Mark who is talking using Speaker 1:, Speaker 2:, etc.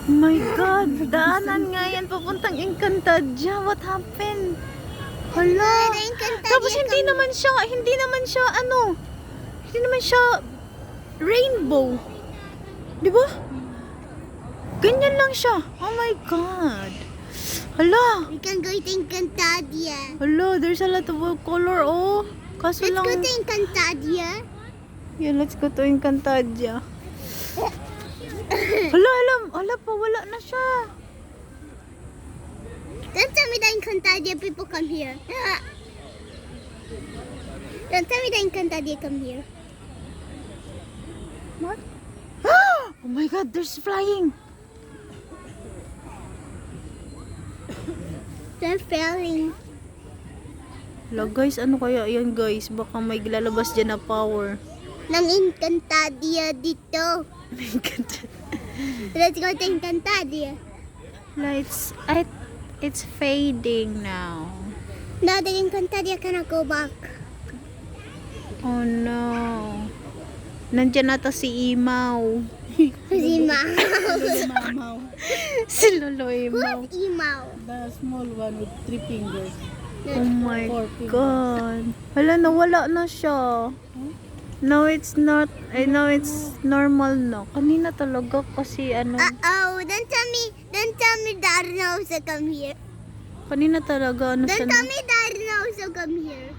Speaker 1: Oh my God, daanan nga yan papuntang Encantadia. What happened? Hala. Tapos hindi naman siya rainbow. Di ba? Ganyan lang siya. Oh my God. Hala.
Speaker 2: We can go to Encantadia.
Speaker 1: Hala, there's a lot of color, oh. Kaso
Speaker 2: Let's
Speaker 1: lang...
Speaker 2: go to Encantadia.
Speaker 1: Yeah, let's go to Encantadia. Hala, wala na siya.
Speaker 2: Don't tell me that Encantadia people come here. Don't tell me that Encantadia come here. What?
Speaker 1: Oh my God, there's flying.
Speaker 2: They're failing.
Speaker 1: Hala guys, ano kaya yan guys? Baka may lalabas dyan na power.
Speaker 2: Nang Encantadia dito. Let's go to Encantadia.
Speaker 1: Hala, it's fading now.
Speaker 2: No, the Encantadia cannot go back.
Speaker 1: Oh no. Nandyan nata si Imaw.
Speaker 2: Who's Imaw?
Speaker 3: Mamaw.
Speaker 1: Si Lolo Imaw.
Speaker 2: Who's Imaw?
Speaker 3: The small one with 3 fingers.
Speaker 1: Oh my
Speaker 3: 4 fingers.
Speaker 1: God. Hala, nawala na siya. Now it's not, I know it's normal na. Kanina talaga kasi ano,
Speaker 2: Uh-oh, don't tell me that also come here.
Speaker 1: kanina talaga ano siya
Speaker 2: Don't
Speaker 1: na.
Speaker 2: tell me that also come here.